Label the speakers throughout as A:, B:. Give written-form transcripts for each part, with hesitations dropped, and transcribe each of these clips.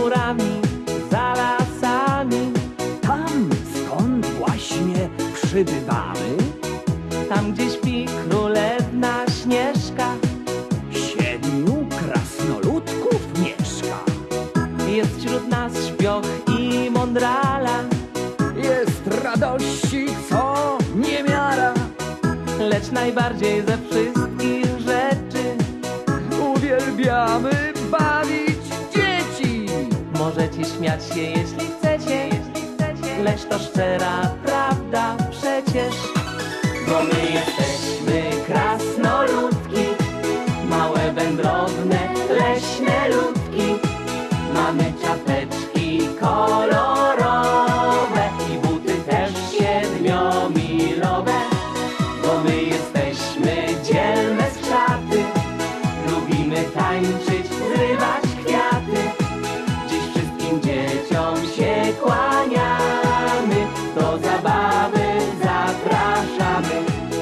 A: górami, za lasami.
B: Tam, skąd właśnie przybywamy,
A: Tam, gdzie śpi królewna Śnieżka.
B: 7 krasnoludków mieszka.
A: Jest wśród nas śpioch i mądrala,
B: Jest radości, co niemiara.
A: lecz najbardziej ze wszystkich rzeczy
B: Uwielbiamy bawić dzieci.
A: możecie śmiać się, jeśli chcecie, lecz to szczera prawda przecież. Bo my jesteśmy krasnoludki, małe, wędrowne, leśne ludki. Mamy czapeczki kolorowe i buty też 7-milowe. Bo my jesteśmy dzielne skrzaty, lubimy tańczyć, zrywać kwiaty. Dziś wszystkim dzieciom się kłaniamy, do zabawy zapraszamy.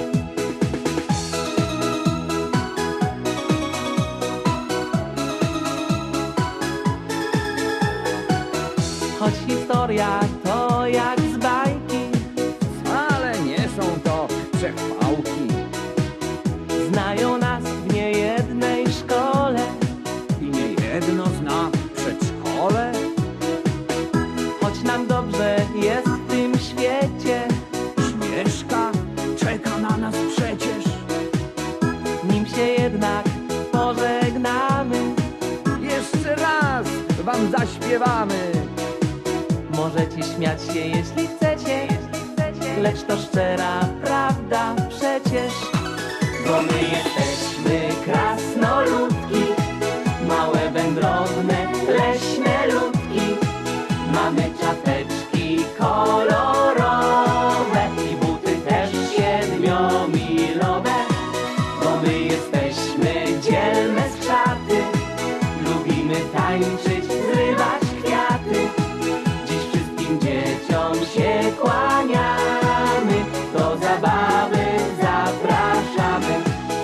A: Choć historia to jak z bajki,
B: Ale nie są to przechwałki.
A: znają nas w niejednej szkole.
B: I niejedno zna przedszkole.
A: Choć nam dobrze jest w tym świecie,
B: Śnieżka czeka na nas przecież.
A: nim się jednak pożegnamy.
B: Jeszcze raz wam zaśpiewamy.
A: Możecie śmiać się, jeśli chcecie, lecz to szczera prawda przecież. Bo my jesteśmy krasnoludki, małe, wędrowne, leśne ludki. Mamy czapeczki kolorowe i buty też 7-milowe. Bo my jesteśmy dzielne skrzaty, lubimy tańczyć, zrywać kwiaty. Dziś wszystkim dzieciom się kłaniamy, do zabawy zapraszamy.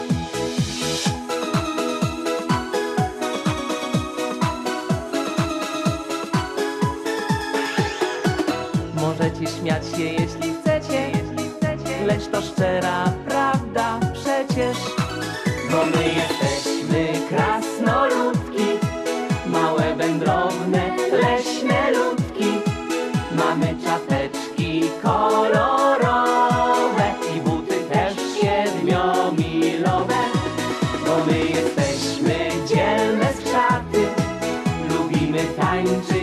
A: Możecie śmiać się, jeśli chcecie, lecz to szczera prawda przecież. Bo my jesteśmy krasnoludki, małe, wędrowne, leśne ludki. Mamy czapeczki kolorowe i buty też 7-milowe. Bo my jesteśmy dzielne skrzaty, lubimy tańczyć,